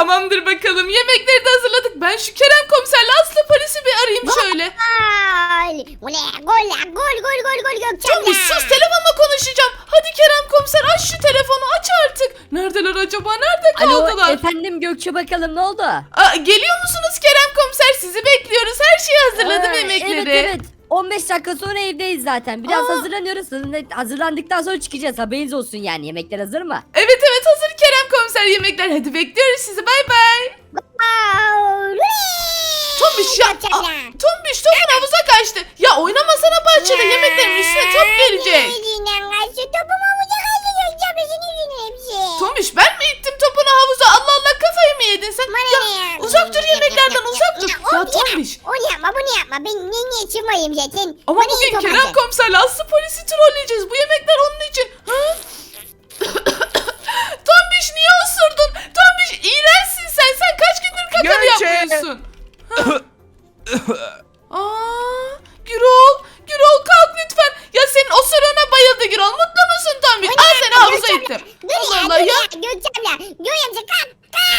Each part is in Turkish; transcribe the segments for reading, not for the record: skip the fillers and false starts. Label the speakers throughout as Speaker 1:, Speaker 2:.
Speaker 1: Tamamdır bakalım. Yemekleri de hazırladık. Ben şu Kerem komiserle Aslı polisi bir arayayım şöyle.
Speaker 2: Gol. Bu ne? Gol Gökçen
Speaker 1: Tombiş sus, telefonla konuşacağım. Hadi Kerem komiser aç şu telefonu, aç artık. Neredeler acaba? Nerede kaldılar?
Speaker 3: Alo efendim Gökçe, bakalım ne oldu?
Speaker 1: Geliyor musunuz Kerem komiser? Sizi bekliyoruz. Her şeyi hazırladım, yemekleri.
Speaker 3: Evet. 15 dakika sonra evdeyiz zaten. Biraz hazırlanıyoruz. Hazırlandıktan sonra çıkacağız. Haberiniz olsun yani. Yemekler hazır mı?
Speaker 1: Evet hazır Kerem komiser yemekler. Hadi bekliyoruz sizi, bay bay. Tombiş ya. Tombiş topun havuza kaçtı. Ya oynamasana bahçede, yemeklerin üstüne top gelecek. Tombiş ben mi ittim topunu havuza? Allah Allah, kafayı mı yedin sen? Ya uzak dur yemeklerden, uzak dur. Ya Tombiş.
Speaker 2: Onu yapma. Ben niye çıkmayayım zaten?
Speaker 1: Ama bugün Kerem komiserle Aslı polisi trolleyeceğiz. Bu yemekler onun için. Ha? Tombiş niye osurdun? Tombiş iğrençsin sen. Sen kaç gündür kakanı
Speaker 4: Gökçe!
Speaker 1: yapmıyorsun? Gürol kalk lütfen. Ya senin osuruğuna bayıldı Gürol. Mutlu musun Tombiş? Al seni havuza ittim. Allah Allah ya.
Speaker 2: Gökçemle kalk.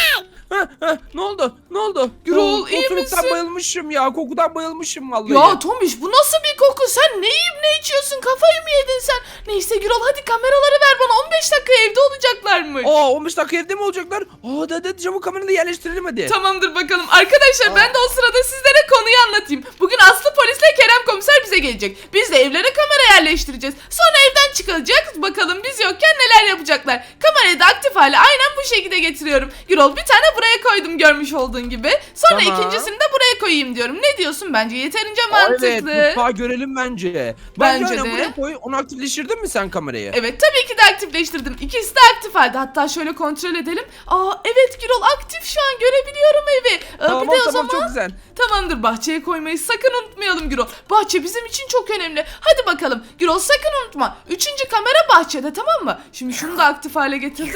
Speaker 4: Ne oldu?
Speaker 1: Gürol, iyi
Speaker 4: Osuruktan
Speaker 1: misin?
Speaker 4: bayılmışım ya. Kokudan bayılmışım vallahi.
Speaker 1: Ya Tombiş bu nasıl bir koku? Sen ne yiyip ne içiyorsun? Kafayı mı yedin sen? Neyse Gürol hadi kameraları ver bana. 15 dakika evde olacaklarmış.
Speaker 4: 15 dakika evde mi olacaklar? Hadi çabuk kamerayı da yerleştirelim hadi.
Speaker 1: Tamamdır bakalım. Arkadaşlar ben de o sırada sizlere konuyu anlatayım. Bugün Aslı polisle Kerem komiser bize gelecek. Biz de evlere kamera yerleştireceğiz. Sonra evden çıkacak. Bakalım biz yokken neler yapacaklar. Kamerayı da aktif hale aynen bu şekilde getiriyorum. Gürol bir tane buraya koydum görmüş olduğun gibi. Sonra
Speaker 4: Tamam.
Speaker 1: ikincisini de buraya koyayım diyorum. Ne diyorsun? Bence yeterince mantıklı.
Speaker 4: Evet, mutfağı görelim bence.
Speaker 1: Bence
Speaker 4: aynen
Speaker 1: de.
Speaker 4: buraya koy. Onu aktifleştirdin mi sen kamerayı?
Speaker 1: Evet tabii ki de aktifleştirdim. İkisi de aktif halde. Hatta şöyle kontrol edelim. Evet Gürol aktif şu an, görebiliyorum evi.
Speaker 4: Tamam,
Speaker 1: Bir de o zaman
Speaker 4: çok güzel.
Speaker 1: tamamdır, bahçeye koymayı sakın unutmayalım Gürol. Bahçe bizim için çok önemli. Hadi bakalım Gürol, sakın unutma. 3. kamera bahçede, tamam mı? Şimdi şunu da aktif hale getirdim.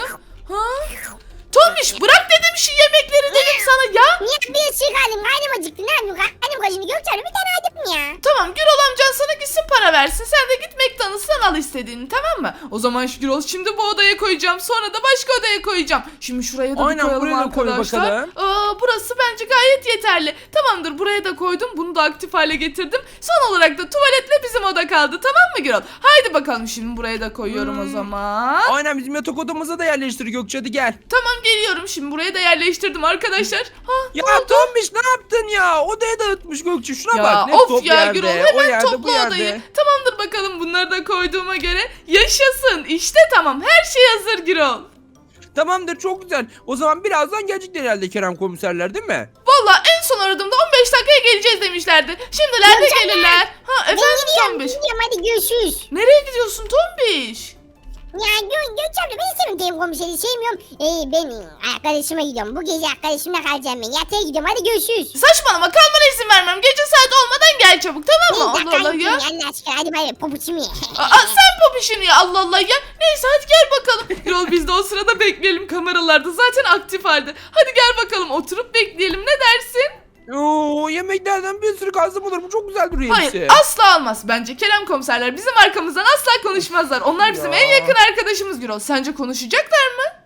Speaker 1: Tombiş bırak dedim şu yemekleri dedim sana ya.
Speaker 2: Niye bir çıkalım? Karnım acıktı. Ne yapayım? Karnım kaşındı. Gökçemle bir tane adım ya.
Speaker 1: Tamam Gürol amcan sana gitsin para versin. Sen de git McDonald's'tan al istediğini, tamam mı? O zaman şu Gürol şimdi bu odaya koyacağım. Sonra da başka odaya koyacağım. Şimdi şuraya da
Speaker 4: Aynen,
Speaker 1: bir koyalım
Speaker 4: buraya da koy
Speaker 1: arkadaşlar.
Speaker 4: bakalım.
Speaker 1: Burası bence gayet yeterli. Tamamdır, buraya da koydum. Bunu da aktif hale getirdim. Son olarak da tuvaletle bizim oda kaldı, tamam mı Gürol? Haydi bakalım şimdi buraya da koyuyorum o zaman.
Speaker 4: Aynen, bizim yatak odamıza da yerleştir Gökçe, hadi gel.
Speaker 1: Tamam geliyorum, şimdi buraya da yerleştirdim arkadaşlar.
Speaker 4: Ya Tombiş ne yaptın ya? Odayı dağıtmış Gökçe, şuna
Speaker 1: Ya
Speaker 4: bak. Ne
Speaker 1: of
Speaker 4: top
Speaker 1: ya
Speaker 4: yerde,
Speaker 1: Gürol,
Speaker 4: o
Speaker 1: hemen
Speaker 4: yerde, bu
Speaker 1: topla
Speaker 4: yerde.
Speaker 1: odayı. Tamamdır bakalım, bunları da koyduğuma göre yaşasın. İşte tamam, her şey hazır Gürol.
Speaker 4: Tamamdır, çok güzel. O zaman birazdan gelecekler herhalde Kerem komiserler, değil mi?
Speaker 1: Valla en son aradığımda 15 dakikaya geleceğiz demişlerdi. Şimdiler de gelirler. Efendim Tombiş.
Speaker 2: Gidiyorum hadi görüşürüz.
Speaker 1: Nereye gidiyorsun Tombiş?
Speaker 2: Ya Gökçemle ben istemiyorum telefon komiseri sevmiyorum. Ben arkadaşıma gidiyorum. Bu gece arkadaşımla kalacağım ben. Yatağa gidiyorum hadi görüşürüz.
Speaker 1: Saçmalama, kalmana izin vermem. Gece saat olmadan gel çabuk, tamam mı? Allah Allah ya.
Speaker 2: Allah aşkına hadi bay bay pabuçumu ye.
Speaker 1: Sen popişini ya, Allah Allah ya. Neyse hadi gel bakalım. Gürol biz de o sırada bekleyelim, kameralarda zaten aktif halde. Hadi gel bakalım oturup bekleyelim, ne dersin?
Speaker 4: Yemeklerden bir sürü kalsam olur mu? Çok güzel duruyor
Speaker 1: Hayır
Speaker 4: hepsi.
Speaker 1: asla olmaz. Bence Kerem komiserler bizim arkamızdan asla konuşmazlar. Onlar bizim
Speaker 4: Ya.
Speaker 1: en yakın arkadaşımız Gürol. Sence konuşacaklar mı?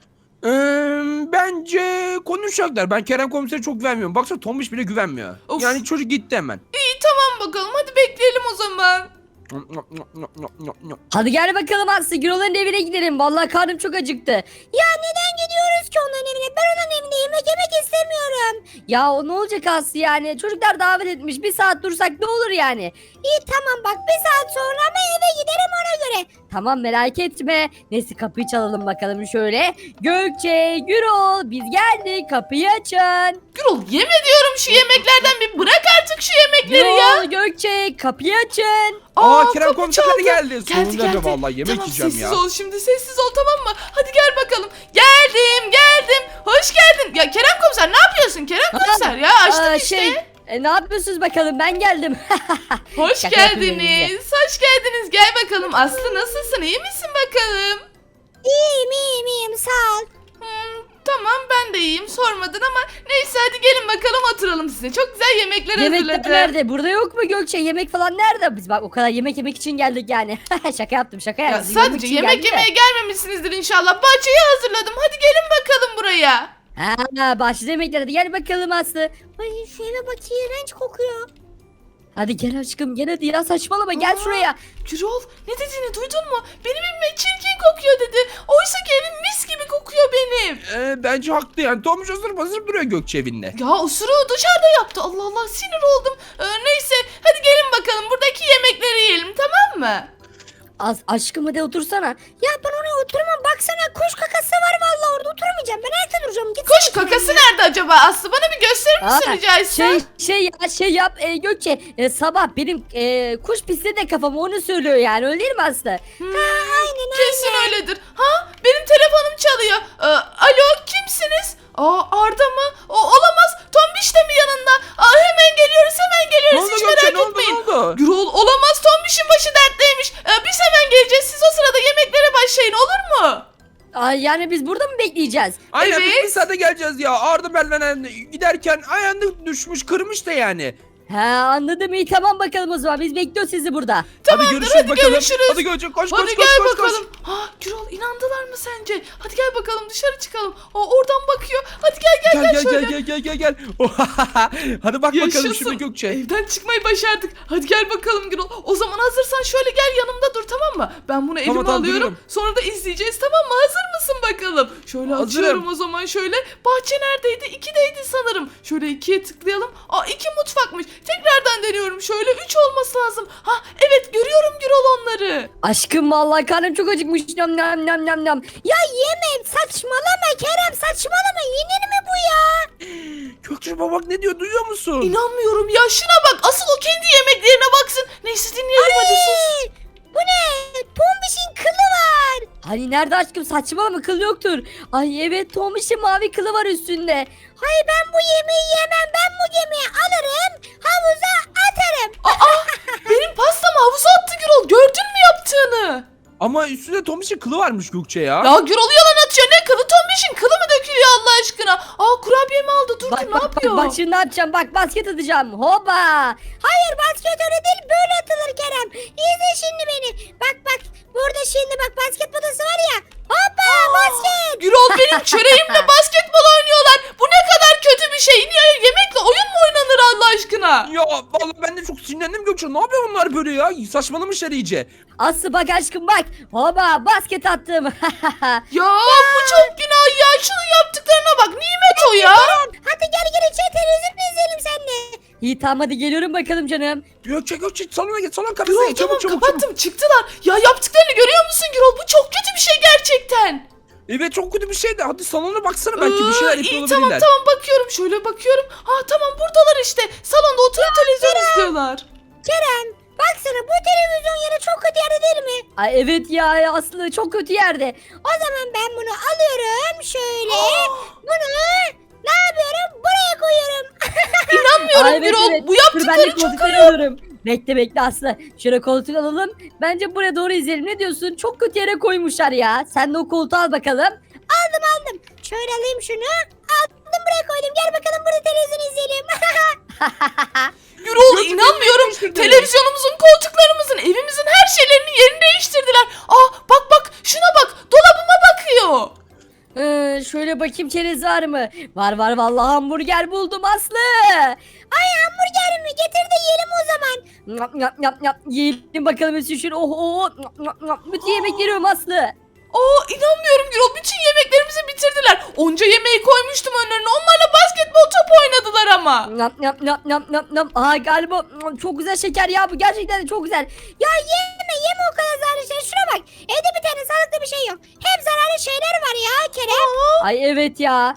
Speaker 4: Bence konuşacaklar. Ben Kerem komisere çok güvenmiyorum. Baksana Tombiş bile güvenmiyor.
Speaker 1: Of.
Speaker 4: Yani çocuk gitti hemen.
Speaker 1: İyi tamam bakalım, hadi bekleyelim o zaman.
Speaker 3: Hadi gel bakalım Aslı, Gürol'un evine gidelim. Vallahi karnım çok acıktı. Ya neden gidiyoruz ki onların evine? Ben onun evinde yemek istemiyorum. Ya o ne olacak Aslı yani? Çocuklar davet etmiş. Bir saat dursak ne olur yani? İyi tamam bak, bir saat sonra ben eve giderim ona göre. Tamam merak etme. Neyse kapıyı çalalım bakalım şöyle. Gökçe, Gürol biz geldik, kapıyı açın.
Speaker 1: Gürol yeme diyorum şu yemeklerden, bir bırak artık şu yemekleri ya.
Speaker 3: Gürol, Gökçe kapıyı açın.
Speaker 4: Kerem
Speaker 1: kapı
Speaker 4: komiser
Speaker 1: çaldı.
Speaker 4: geldi. Sonunda
Speaker 1: Geldi.
Speaker 4: vallahi yemek
Speaker 1: Tamam,
Speaker 4: yiyeceğim
Speaker 1: sessiz
Speaker 4: ya.
Speaker 1: ol şimdi, sessiz ol, tamam mı? Hadi gel bakalım. Geldim. Hoş geldin. Ya Kerem komiser ne yapıyorsun Kerem komiser ya? Açtık işte.
Speaker 3: Ne yapıyorsunuz bakalım, ben geldim.
Speaker 1: Hoş
Speaker 3: Şaka yapıyorum
Speaker 1: geldiniz. Hoş geldiniz. Gel bakalım. Aslı nasılsın? İyi misin bakalım?
Speaker 2: İyiyim sağ ol.
Speaker 1: Tamam ben de iyiyim. Sormadın ama neyse hadi gelin bakalım oturalım size. Çok güzel yemekler
Speaker 3: Yemekler
Speaker 1: hazırladım.
Speaker 3: nerede? Burada yok mu Gökçe? Yemek falan nerede? Biz bak o kadar yemek yemek için geldik yani. şaka yaptım.
Speaker 1: Ya
Speaker 3: Siz
Speaker 1: sadece
Speaker 3: için
Speaker 1: yemek
Speaker 3: geldik de.
Speaker 1: yemeye gelmemişsinizdir inşallah. Bahçeyi hazırladım. Hadi gelin bakalım buraya.
Speaker 3: Ha, başladı yemekler. Hadi gel bakalım Aslı. Ay şu eve bak, iğrenç kokuyor. Hadi gel aşkım, gel hadi ya, saçmalama, gel şuraya.
Speaker 1: Gürol ne dediğini duydun mu? Benim evime çirkin kokuyor dedi. Oysa ki evim mis gibi kokuyor benim.
Speaker 4: Bence haklı yani. Tomuş ısırıp duruyor Gökçe evinde.
Speaker 1: Ya ısırığı dışarıda yaptı. Allah Allah sinir oldum. Neyse hadi gelin bakalım buradaki yemekleri yiyelim tamam mı?
Speaker 3: Aşkım hadi otursana. Ya ben oraya oturmam, baksana kuş kakası var vallahi, orada oturmayacağım. Ben ayakta duracağım. Gitsene
Speaker 1: Kuş kakası nerede acaba Aslı? Bana bir gösterir misin rica etsem?
Speaker 3: Şey yap Gökçe, sabah benim kuş pisliği de kafama onu söylüyor yani, öyle değil mi Aslı?
Speaker 2: Aynen
Speaker 1: Kesin öyledir. Ha benim telefonum çalıyor. Alo kimsiniz? Arda mı? Olamaz. Tombiş de mi yanında? Hemen geliyoruz hemen
Speaker 4: Ne
Speaker 1: geliyoruz.
Speaker 4: oldu
Speaker 1: Hiç
Speaker 4: Gökçe,
Speaker 1: merak
Speaker 4: ne oldu,
Speaker 1: etmeyin.
Speaker 4: ne oldu?
Speaker 1: Gürol olamaz. Tombiş'in başı dertliymiş. Biz hemen geleceğiz. Siz o sırada yemeklere başlayın olur mu?
Speaker 3: Yani biz burada mı bekleyeceğiz?
Speaker 4: Aynen biz
Speaker 1: Evet.
Speaker 4: bir saate geleceğiz ya. Arda Merlenen giderken ayağını düşmüş, kırmış da yani.
Speaker 3: Ha, anladım, iyi tamam bakalım o zaman, biz bekliyoruz sizi burada.
Speaker 1: Tamamdır,
Speaker 4: görüşürüz
Speaker 1: hadi
Speaker 4: bakalım.
Speaker 1: görüşürüz.
Speaker 4: Hadi Gökçe koş
Speaker 1: Hadi
Speaker 4: koş
Speaker 1: gel
Speaker 4: koş koş.
Speaker 1: bakalım. Gürol inandılar mı sence? Hadi gel bakalım dışarı çıkalım. Oradan bakıyor. Hadi gel şöyle.
Speaker 4: Gel. Hadi bak bakalım
Speaker 1: Yaşasın.
Speaker 4: şimdi Gökçe.
Speaker 1: Evden çıkmayı başardık. Hadi gel bakalım Gürol. O zaman hazırsan şöyle gel yanımda dur tamam mı? Ben bunu elime
Speaker 4: Tamam,
Speaker 1: alıyorum.
Speaker 4: duruyorum.
Speaker 1: Sonra da izleyeceğiz tamam mı? Hazır mısın bakalım? Şöyle
Speaker 4: Hazırım.
Speaker 1: açıyorum o zaman şöyle. Bahçe neredeydi? 2'deydi sanırım. Şöyle 2'ye tıklayalım. 2 mutfakmış. Tekrardan deniyorum. Şöyle 3 olması lazım. Evet görüyorum Gürol onları.
Speaker 3: Aşkım vallahi karnım çok acıkmış. Nam nam nam nam nam. Ya yeme, saçmalama Kerem, saçmalama, yenir mi bu ya?
Speaker 4: Gökçe bak ne diyor, duyuyor musun?
Speaker 1: İnanmıyorum ya şuna bak. Asıl o kendi yemeklerine baksın. Neyse dinleyelim hadi sus.
Speaker 3: Bu ne? Tombiş'in kılı var. Hani nerede aşkım, saçmalama, kıl yoktur. Ay evet, Tombiş'in mavi kılı var üstünde. Hayır, ben bu yemeği yemem, ben bu yemeği alırım havuza atarım.
Speaker 1: Benim pastamı havuza attı Gürol. Gördün mü yaptığını?
Speaker 4: Ama üstünde Tomiş'in kılı varmış Gökçe ya.
Speaker 1: Ya Gürol yalan atıyor. Ne kılı? Tombiş'in kılı mı dökülüyor Allah aşkına? Kurabiye mi aldı? Dur
Speaker 3: Bak
Speaker 1: ne
Speaker 3: bak
Speaker 1: yapıyor?
Speaker 3: bak şimdi ne yapacağım, bak basket atacağım, hoba. Hayır, basket öyle değil, böyle atılır Kerem. İzle şimdi beni, bak burada şimdi bak, basket potası var ya, hoppa basket.
Speaker 1: Gürol benim çöreğimle basketbol oynuyorlar. Bu ne kadar kötü bir şey. Niye yemekle oyun mu oynanır Allah aşkına?
Speaker 4: Ya vallahi ben de çok sinirlendim Gökçe. Ne yapıyor bunlar böyle ya? Saçmalamışlar iyice.
Speaker 3: Aslı bak aşkım bak, hoba basket attım.
Speaker 1: Ya bu çok günah ya. Şunun yaptıklarına bak. Nimet o ya.
Speaker 3: Hadi gel içeri, televizyon izleyelim seninle. İyi tamam, hadi geliyorum bakalım canım.
Speaker 4: Gökçe salona git, salon kapısına
Speaker 1: Gürol
Speaker 4: git.
Speaker 1: tamam
Speaker 4: Çabuk.
Speaker 1: kapattım. Çıktılar. Ya yaptıklarını görüyor musun Gürol? Bu çok kötü bir şey gerçekten.
Speaker 4: Evet çok kötü bir şey de. Hadi salona baksana, belki bir şeyler yapıyor
Speaker 1: İyi
Speaker 4: olabilirler.
Speaker 1: tamam bakıyorum. Şöyle bakıyorum. Tamam buradalar işte. Salonda oturup televizyon izliyorlar.
Speaker 3: Kerem baksana, bu televizyon yeri çok kötü yerde değil mi? Ay evet ya, Aslı çok kötü yerde. O zaman ben bunu alıyorum şöyle. Bunu ne yapıyorum? Buraya koyuyorum.
Speaker 1: İnanmıyorum
Speaker 3: Ay, evet,
Speaker 1: Gürol.
Speaker 3: evet.
Speaker 1: Bu
Speaker 3: Dur ben de
Speaker 1: yaptıkları çok
Speaker 3: koltukları alıyorum. Bekle Aslı. Şöyle koltuk alalım. Bence buraya doğru izleyelim. Ne diyorsun? Çok kötü yere koymuşlar ya. Sen de o koltuğu al bakalım. Aldım. Şöyle alayım şunu. Aldım, buraya koydum. Gel bakalım, burada televizyon izleyelim.
Speaker 1: Gürol
Speaker 4: Gökçe,
Speaker 1: inanmıyorum.
Speaker 4: değiştirdiler.
Speaker 1: Televizyonumuzun, koltuklarımızın, evimizin her şeylerinin yerini değiştirdiler. Bak şuna bak. Dolabıma bakıyor.
Speaker 3: Şöyle bakayım, çerez var mı? Var vallahi, hamburger buldum Aslı. Ay hamburger mi? Getir de yiyelim o zaman. Yiyelim bakalım Üstüşür. Bütün yemek yiyorum Aslı.
Speaker 1: İnanmıyorum Gürol. Bütün yemeklerimizi bitirdiler. Onca yemeği koymuştum önlerine. Onlarla basketbol topu oynadılar ama.
Speaker 3: Aa galiba çok güzel şeker ya, bu gerçekten de çok güzel. Ya yeme o kadar zararlı şey. Şuna bak. Evde bir tane sağlıklı bir şey yok. Hep zararlı şeyler var ya Kerem. Ay evet ya.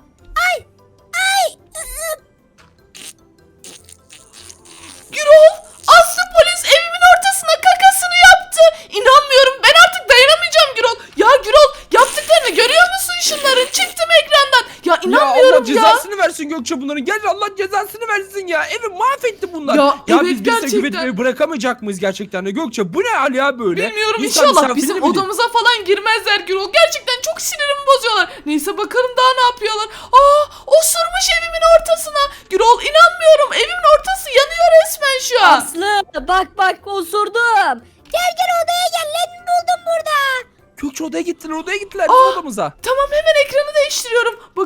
Speaker 1: Gürol, Aslı polis evimin ortasına kakasını yaptı. İnanmıyorum. Ben artık dayanamayacağım Gürol. Ya Gürol yaptıklarını görüyor musun şunların? Çıktım ekrandan. Ya
Speaker 4: Ya
Speaker 1: inanmıyorum
Speaker 4: Allah cezasını versin Gökçe bunların. Gel Allah cezasını versin ya. Evi mahvetti bunlar.
Speaker 1: Ya, evet,
Speaker 4: biz
Speaker 1: gerçekten.
Speaker 4: güvenip bırakamayacak mıyız gerçekten de Gökçe? Bu ne hal ya böyle?
Speaker 1: Bilmiyorum
Speaker 4: İnsan
Speaker 1: inşallah
Speaker 4: misafirini
Speaker 1: bizim
Speaker 4: bilir.
Speaker 1: odamıza falan girmezler Gürol. Gerçekten çok sinirimi bozuyorlar. Neyse bakalım daha ne yapıyorlar. Osurmuş evimin ortasına. Gürol inanmıyorum. Evimin ortası yanıyor resmen şu an.
Speaker 3: Aslı bak osurdum. Gel odaya gel, ne buldum burada.
Speaker 4: Gökçe odaya gittiler bizim odamıza.
Speaker 1: Tamam hemen ekranı değiştiriyorum. Bakalım.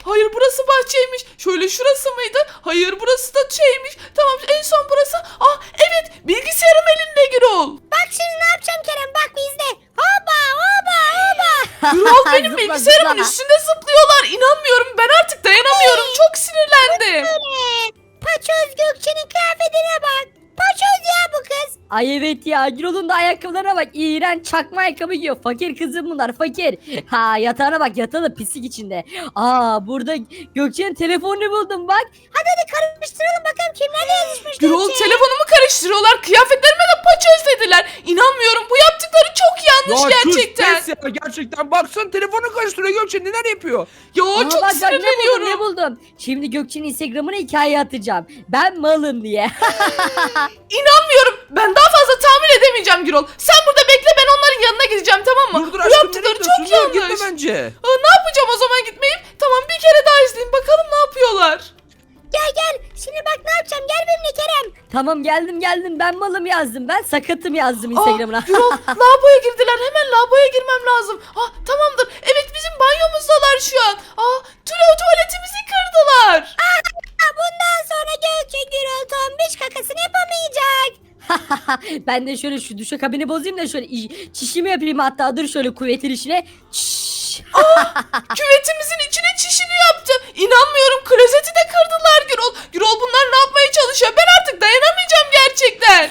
Speaker 1: Hayır, burası bahçeymiş. Şöyle şurası mıydı? Hayır, burası da şeymiş. Tamam, en son burası. Ah evet, bilgisayarım elinde Gürol.
Speaker 2: Bak şimdi ne yapacağım Kerem, bak bizde. Hoba hoba hoba.
Speaker 1: Gürol, benim
Speaker 3: Zıpla,
Speaker 1: bilgisayarımın
Speaker 3: zıpla.
Speaker 1: üstünde zıplıyorlar. İnanmıyorum, ben artık dayanamıyorum. Çok sinirlendim.
Speaker 2: Paçoz Gökçe'nin kıyafetine bak. Paçoz ya bu kız.
Speaker 3: Ay evet ya, Gürol'un da ayakkabılarına bak. İğrenç çakma ayakkabı giyiyor. Fakir kızım bunlar, fakir. Ha, yatağına bak, yatağı da pislik içinde. Aa, burada Gökçe'nin telefonunu buldum bak.
Speaker 2: Hadi karıştıralım bakalım kimlerle yazışmış
Speaker 1: Gürol,
Speaker 2: Gökçe.
Speaker 1: telefonumu karıştırıyorlar. Kıyafetlerime de paçöz dediler. İnanmıyorum, bu yaptıkları çok yanlış gerçekten.
Speaker 4: Pes ya, gerçekten. Baksana telefonu karıştırıyor Gökçe, neler yapıyor?
Speaker 1: Ya
Speaker 3: Aa,
Speaker 1: çok
Speaker 3: bak, bak,
Speaker 1: sinirleniyorum.
Speaker 3: ne buldum. Şimdi Gökçe'nin Instagram'ına hikaye atacağım. Ben malım diye.
Speaker 1: İnanmıyorum. Ben daha fazla tahmin edemeyeceğim Gürol. Sen burada bekle, ben onların yanına gideceğim, tamam mı?
Speaker 4: Dur dur
Speaker 1: Bu
Speaker 4: aşkım,
Speaker 1: yaptıkları
Speaker 4: nereye gidiyorsun?
Speaker 1: çok
Speaker 4: Dur,
Speaker 1: yanlış.
Speaker 4: gitme bence.
Speaker 1: Ne yapacağım o zaman gitmeyip? Tamam, bir kere daha izleyeyim bakalım ne yapıyorlar.
Speaker 2: Gel gel. Şimdi bak ne yapacağım. Gel benimle Kerem.
Speaker 3: Tamam, geldim. Ben malım yazdım. Ben sakatım yazdım Instagram'ına.
Speaker 1: Gürol, lavaboya girdiler. Hemen lavaboya girmem lazım. Tamamdır. Evet, bizim banyomuzdalar şu an. Tuvaletimizi kırdılar.
Speaker 2: Bundan sonra Gökçe Gürol tombiş kakasını yapamayacak.
Speaker 3: Ben de şöyle şu duşakabini bozayım da şöyle çişimi yapayım, hatta dur şöyle kuvvetin içine. Çiş.
Speaker 1: Küvetimizin içine çişini yaptı. İnanmıyorum, klozeti de kırdılar Gürol. Gürol, bunlar ne yapmaya çalışıyor? Ben artık dayanamayacağım gerçekten.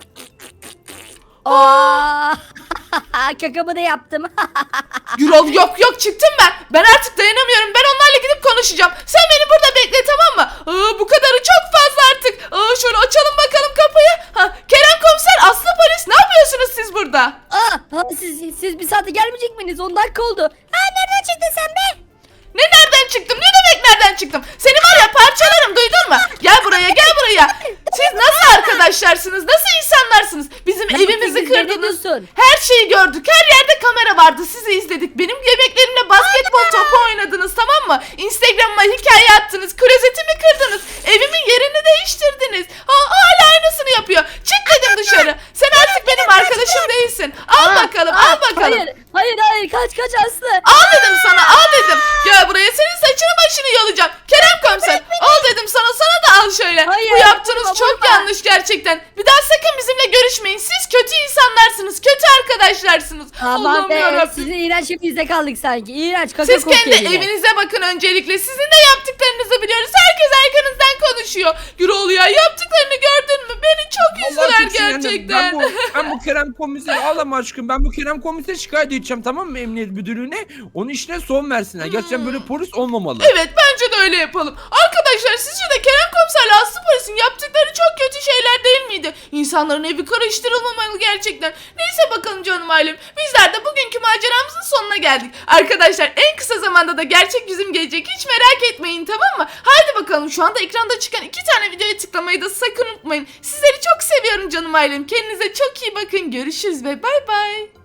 Speaker 3: Aa! Kakamı da yaptım.
Speaker 1: Gürol, yok çıktım ben. Ben artık dayanamıyorum. Ben onlarla gidip konuşacağım. Sen beni burada bekle, tamam mı? Bu kadarı çok fazla artık. Şöyle açalım bakalım kapıyı. Kerem komiser, Aslı polis, ne yapıyorsunuz siz burada?
Speaker 3: Siz bir saate gelmeyecek miydiniz? 10 dakika oldu.
Speaker 2: Nereden çıktın sen be?
Speaker 1: Ne, nereden çıktım? Ne demek nereden çıktım? Seni var ya, parçalarım, duydun mu? Gel buraya, gel buraya. Siz nasıl arkadaşlarsınız? Nasıl insanlarsınız? Bizim
Speaker 3: Ne
Speaker 1: evimizi
Speaker 3: yapıyorsun? Ne
Speaker 1: kırdınız.
Speaker 3: diyorsun?
Speaker 1: Her şeyi gördük. Her yerde kamera vardı. Sizi izledik. Benim yemeklerimle basketbol topu oynadınız, tamam mı? Instagram'ıma hikaye attınız. Klozetimi kırdınız. Evimin yerini değiştirdiniz. Hala aynısını yapıyor. Çık dedim dışarı. Sen artık benim arkadaşım değilsin. Al bakalım, al bakalım.
Speaker 3: Hayır, kaç Aslı.
Speaker 1: Al dedim sana, al dedim. Gel buraya, senin saçını başını yolacağım. Kerem komiser, al dedim sana da al şöyle.
Speaker 3: Hayır,
Speaker 1: Bu yaptığınız
Speaker 3: vurma,
Speaker 1: çok
Speaker 3: vurma.
Speaker 1: yanlış gerçekten. Bir daha sakın bizimle görüşmeyin. Siz kötü insanlarsınız, kötü arkadaşlarsınız.
Speaker 3: Aman
Speaker 1: Allah'ım
Speaker 3: be,
Speaker 1: yarabbim.
Speaker 3: sizin iğrenç hepinizde kaldık sanki. İğrenç kaka
Speaker 1: Siz
Speaker 3: kokuyor
Speaker 1: kendi
Speaker 3: yine.
Speaker 1: evinize bakın öncelikle. Sizin de yaptıklarınızı biliyoruz. Herkes arkanızdan konuşuyor. Gürol ya, yaptıklarını gördün mü? Beni çok
Speaker 4: Vallahi
Speaker 1: üzdüler
Speaker 4: çok sinirlendim.
Speaker 1: gerçekten.
Speaker 4: Ben bu Kerem komiseri, ağlama aşkım. Ben bu Kerem komiseri şikayet edeceğim, tamam mı, emniyet müdürlüğüne? Onun işine son versinler. Gerçekten böyle polis olmamalı.
Speaker 1: Evet, bence de öyle yapalım. Arkadaşlar, sizce de Kerem komiserle Aslı polisin yaptıkları çok kötü şeyler değil miydi? İnsanların evi karıştırılmamalı gerçekten. Neyse bakalım canım ailem. Bizler de bugünkü maceramızın sonuna geldik. Arkadaşlar, en kısa zamanda da gerçek yüzüm gelecek. Hiç merak etmeyin, tamam mı? Haydi bakalım, şu anda ekranda çıkan 2 tane videoya tıklamayı da sakın unutmayın. Sizleri çok seviyorum canım ailem. Kendinize çok iyi bakın. Görüşürüz ve bay bay.